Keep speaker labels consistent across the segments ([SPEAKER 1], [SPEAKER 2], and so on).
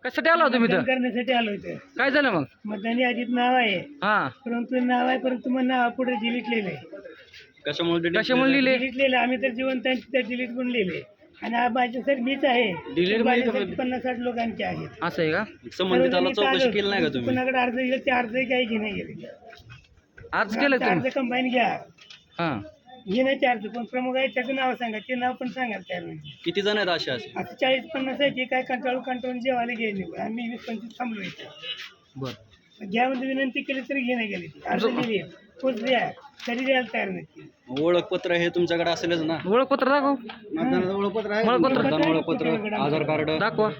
[SPEAKER 1] कशासाठी आला तुम्ही
[SPEAKER 2] मतदान
[SPEAKER 1] इथं?
[SPEAKER 2] करण्यासाठी आलो इथे.
[SPEAKER 1] काय झालं मग?
[SPEAKER 2] मतदानी यादीत नाव आहे,
[SPEAKER 1] हा,
[SPEAKER 2] परंतु नाव आहे परंतु मग नाव पुढे डिलीटलेलं आहे.
[SPEAKER 1] कशामुळे लिहिले?
[SPEAKER 2] डिलीटलेलं आम्ही तर जिवंत आहे, तिथे डिलीट करून लिहिले. आणि माझे सर मीच आहे. माझ्यासाठी 50-60 लोकांचे आहेत.
[SPEAKER 1] असं आहे का?
[SPEAKER 3] संबंधिताला चौकशी केली नाही का तुम्ही?
[SPEAKER 2] कुणाकडे अर्ज दिले ते अर्ज काही घेणे गेले.
[SPEAKER 1] आज केलं
[SPEAKER 2] अर्ज
[SPEAKER 1] तुम्ही?
[SPEAKER 2] कंबाईन घ्या,
[SPEAKER 1] हा,
[SPEAKER 2] घेण्याचे अर्ज कोण प्रमुख आहे त्याचं नाव सांगा, ते नाव पण सांगाल तयार नाही.
[SPEAKER 3] किती जण आहेत असे असे?
[SPEAKER 2] आता 40-50 आहे, ते काय कंटाळून जेवायला गेले. आम्ही 20-25 थांबलो इथे.
[SPEAKER 1] बर.
[SPEAKER 2] घ्यामध्ये विनंती केली तरी घेणे गेले. अर्ज लिहिले पोच द्या तरी द्यायला तयार नाही.
[SPEAKER 3] ओळखपत्र हे तुमच्याकडे असेलच ना?
[SPEAKER 1] ओळखपत्र दाखव.
[SPEAKER 3] मतदानाचं ओळखपत्र आहे?
[SPEAKER 1] ओळखपत्र.
[SPEAKER 3] मतदान ओळखपत्र, आधार कार्ड
[SPEAKER 1] दाखवा.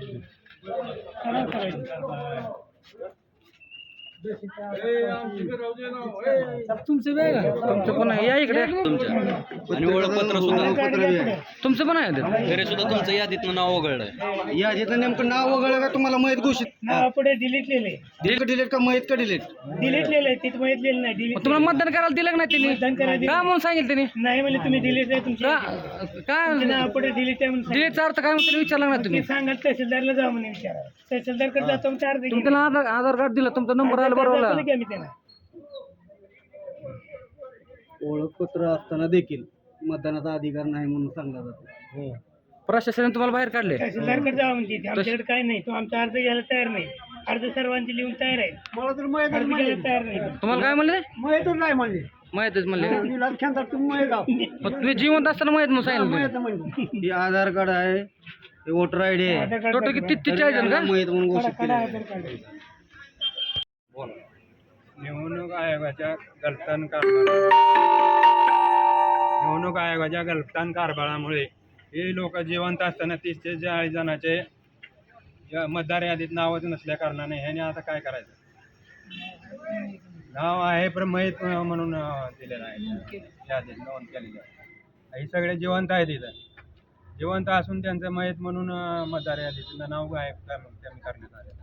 [SPEAKER 2] तुमचं वेळ
[SPEAKER 1] तुमचं पण आहे, या इकडे.
[SPEAKER 3] तुमच्या आणि ओळखपत्र सुद्धा.
[SPEAKER 1] तुमचं पण आहे ते.
[SPEAKER 3] तरी सुद्धा तुमचं यादीतनं नाव वगळलंय.
[SPEAKER 4] यादीतलं नेमकं नाव वगळलं का तुम्हाला माहीत घोषित
[SPEAKER 2] नाव पुढे डिलीटलेले
[SPEAKER 4] डिलीट का माहीत का डिलीट?
[SPEAKER 2] डिलीटलेलं आहे, तिथं माहितलेलं नाही.
[SPEAKER 1] मग
[SPEAKER 2] डिलीट
[SPEAKER 1] तुम्हाला मतदान करायला दिलं का नाही त्यांनी?
[SPEAKER 2] मतदान करायला
[SPEAKER 1] का म्हणून सांगितलं त्यांनी?
[SPEAKER 2] नाही म्हणजे तुम्ही डिलीट आहे तुमच्या
[SPEAKER 1] काय
[SPEAKER 2] नाव पुढे डिलीट आहे म्हणून
[SPEAKER 1] डिलीटचा अर्थ काय म्हणून विचारला ना तुम्ही?
[SPEAKER 2] सांगा. तहसीलदारला जाऊ म्हणे विचारा. तहसीलदारकडे जातो चार
[SPEAKER 1] तुमच्याला आधार कार्ड दिलं, तुमचा नंबर आला बरोबर.
[SPEAKER 2] आम्ही त्याला
[SPEAKER 4] ओळखपत्र असताना देखील मतदानाचा अधिकार नाही म्हणून सांगला जातो.
[SPEAKER 1] प्रशासनाने तुम्हाला बाहेर काढले.
[SPEAKER 2] तहसीलदारकडे जावं म्हणते. आमच्याकडे काय नाही, तो आमचा अर्ज घ्यायला तयार नाही. अर्ज सर्वांची लिहून तयार आहे, मला तर अर्ज घ्यायला तयार नाही.
[SPEAKER 1] तुम्हाला काय म्हणले?
[SPEAKER 4] माहीतच नाही म्हणजे
[SPEAKER 1] माहितच म्हणले.
[SPEAKER 4] तुम्ही
[SPEAKER 1] मग तुम्ही जिवंत असताना माहित म्हणून सांगितलं.
[SPEAKER 4] हे आधार कार्ड आहे, हे वोटर आय डी आहे,
[SPEAKER 1] टोटल किती 40 जण का?
[SPEAKER 4] माहीत म्हणून घोषित केलं आहे.
[SPEAKER 5] निवडणूक आयोगाच्या गलतान कारभारामुळे हे लोक जिवंत असताना 30 ते 40 जणांचे मतदार यादीत नावच नसल्या कारणाने ह्याने आता काय करायचं? नाव आहे पण माहीत म्हणून दिलेलं आहे, यादीत नोंद केलेली आहे. हे सगळे जिवंत आहेत इथं. जिवंत असून त्यांचं माहीत म्हणून मतदार यादीत नाव गायब करण्यात आले.